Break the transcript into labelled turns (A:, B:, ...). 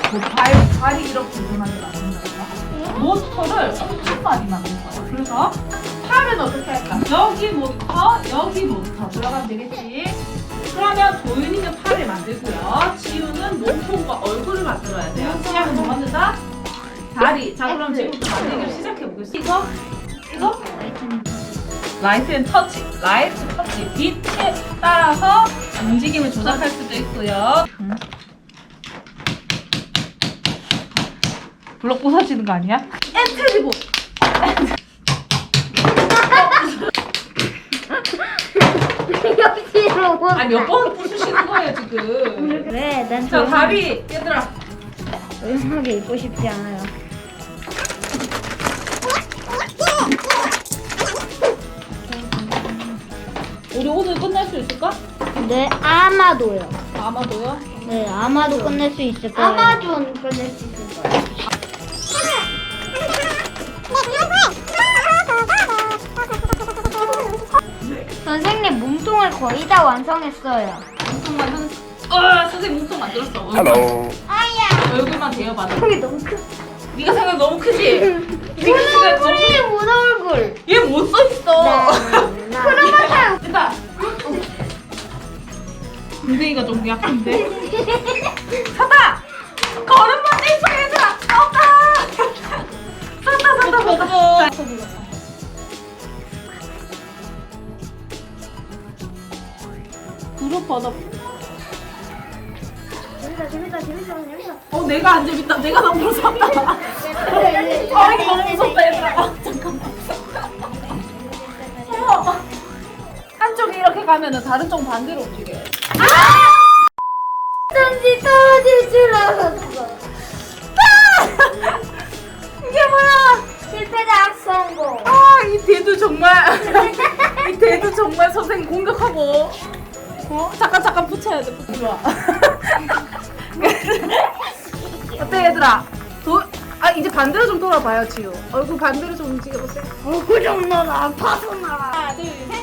A: 발이 이렇게 일어나지 않는다니까. 모터를 엄청 많이 만들 거야. 그래서 팔은 어떻게 할까? 여기 모터 들어가면 되겠지. 그러면 도윤이는 팔을 만들고요. 지우는 몸통과 얼굴을 만들어야 돼요. 시작은 뭐 만든다? 다리. 자, 그럼 지금부터 만들기를 시작해보겠습니다. 이거? 라이트 앤 터치. 라이트 터치. 빛에 따라서 움직임을 조작할 수도 있고요. 블록 부서지는 거 아니야? 엔트리보.
B: 옆뒤로.
A: 아니 몇 번 부수시는 거예요 지금.
B: 왜? 난
A: 자 다리 얘들아.
B: 조용하게 입고 싶지 않아요.
A: 우리 오늘 끝날 수 있을까?
B: 네, 아마도요.
A: 아마도요.
B: 네, 아마도 끝낼 수 있을 거예요. 아마존 끝낼 수 있을 거예요. 선생님 몸통을 거의 다 완성했어요.
A: 몸통만 선생님 몸통 만들었어.
C: Hello.
B: 아야.
A: 얼굴만 대여받아.
B: 얼굴이 너무 크.
A: 네가 생각 너무 크지? 네가 생각 너무.
B: 얼굴이 못 얼굴.
A: 얘 못 써 있어.
B: 그러면
A: 됐다. 엉덩이가 좀 약한데. 샀다. 걸음만 떼줘 얘들아. 샀다. 그룹 받아.
B: 재밌다.
A: 내가 안 재밌다. 내가 너무 무섭다. 이거 너무 무섭다 얘들아. 잠깐만. 한쪽이 이렇게 가면은 다른 쪽 반대로 움직여.
B: 던지 떨어질 줄 알았어.
A: 이게 뭐야?
B: 실패다 성공.
A: 이 대두 정말 이 대두 정말 선생님 공격하고. 잠깐 붙여야 돼. 좋아. 어때 얘들아? 이제 반대로 좀 돌아봐요 지우. 얼굴 반대로 좀 움직여보세요.
B: 얼굴 좀 넣어 아파서 나.
A: 하나 둘 셋.